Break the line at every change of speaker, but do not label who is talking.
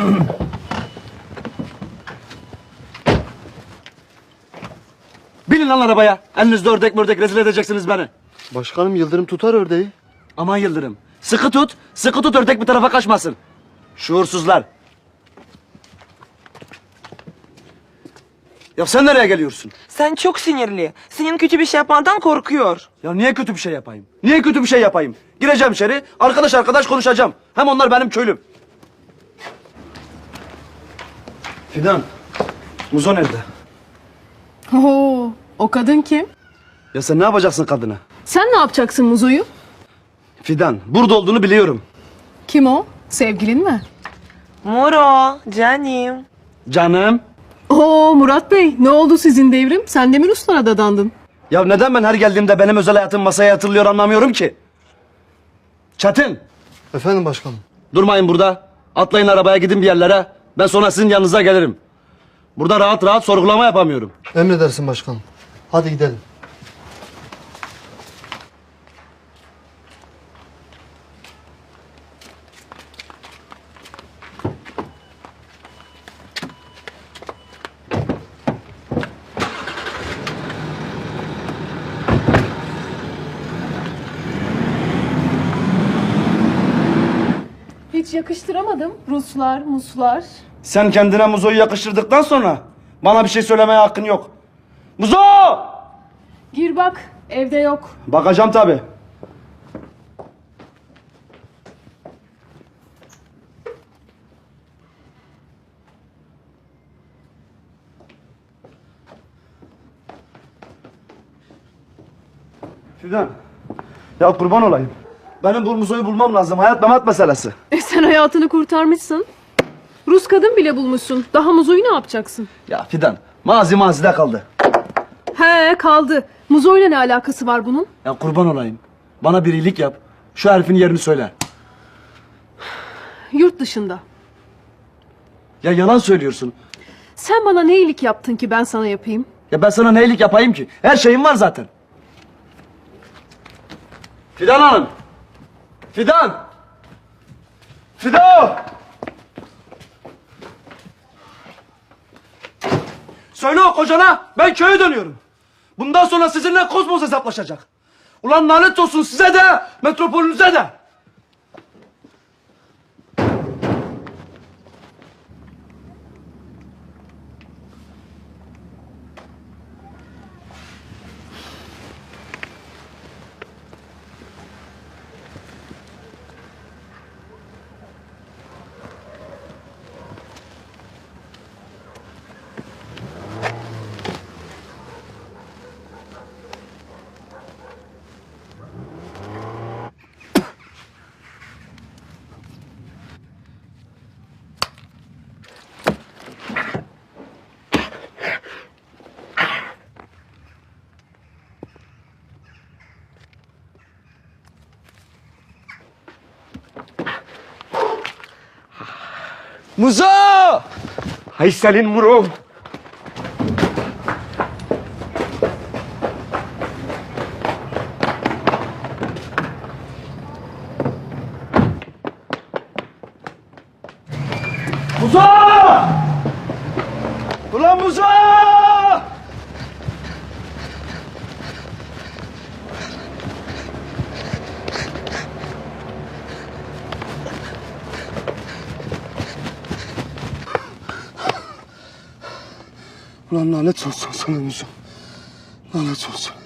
Binin lan arabaya. Elinizde ördek mördek rezil edeceksiniz beni.
Başkanım Yıldırım tutar ördeği.
Aman Yıldırım. Sıkı tut. Sıkı tut ördek bir tarafa kaçmasın. Şuursuzlar. Ya sen nereye geliyorsun?
Sen çok sinirli. Senin kötü bir şey yapmandan korkuyor.
Ya niye kötü bir şey yapayım? Niye kötü bir şey yapayım? Gireceğim içeri, arkadaş konuşacağım. Hem onlar benim köylüm. Fidan, Muzo nerede?
Oo, o kadın kim?
Ya sen ne yapacaksın kadına?
Sen ne yapacaksın Muzo'yu?
Fidan, burada olduğunu biliyorum.
Kim o? Sevgilin mi?
Muro, canım.
Canım.
Oo Murat Bey, ne oldu sizin devrim? Sen de mi Ruslara dadandın?
Ya neden ben her geldiğimde benim özel hayatım masaya yatırılıyor anlamıyorum ki? Çetin,
Efendim başkanım.
durmayın burada. Atlayın arabaya gidin bir yerlere. Ben sonra sizin yanınıza gelirim. Burada rahat rahat sorgulama yapamıyorum.
Emredersin başkanım. Hadi gidelim.
Hiç yakıştıramadım. Ruslar, Muslar.
Sen kendine Muzo'yu yakıştırdıktan sonra bana bir şey söylemeye hakkın yok. Muzo!
Gir bak, evde yok.
Bakacağım tabii. Fidan, ya kurban olayım. Benim bu Muzo'yu bulmam lazım. Hayat memat meselesi.
Sen hayatını kurtarmışsın. Rus kadın bile bulmuşsun. Daha Muzo'yu ne yapacaksın?
Ya Fidan, mazi mazide kaldı.
He kaldı. Muzo'yla ne alakası var bunun?
Ya kurban olayım. Bana bir iyilik yap. Şu herifin yerini söyle.
Yurt dışında.
Ya yalan söylüyorsun.
Sen bana ne iyilik yaptın ki ben sana yapayım?
Ya ben sana ne iyilik yapayım ki? Her şeyim var zaten. Fidan Hanım. Fidan. Fidan. Söyle o kocana ben köye dönüyorum. Bundan sonra sizinle Kozmos hesaplaşacak. Ulan lanet olsun size de metropolünüze de. Muzo!
Hay senin Muro.
Muzo! Ulan Muzo! Ulan lanet olsun sana Muzo. Lanet olsun.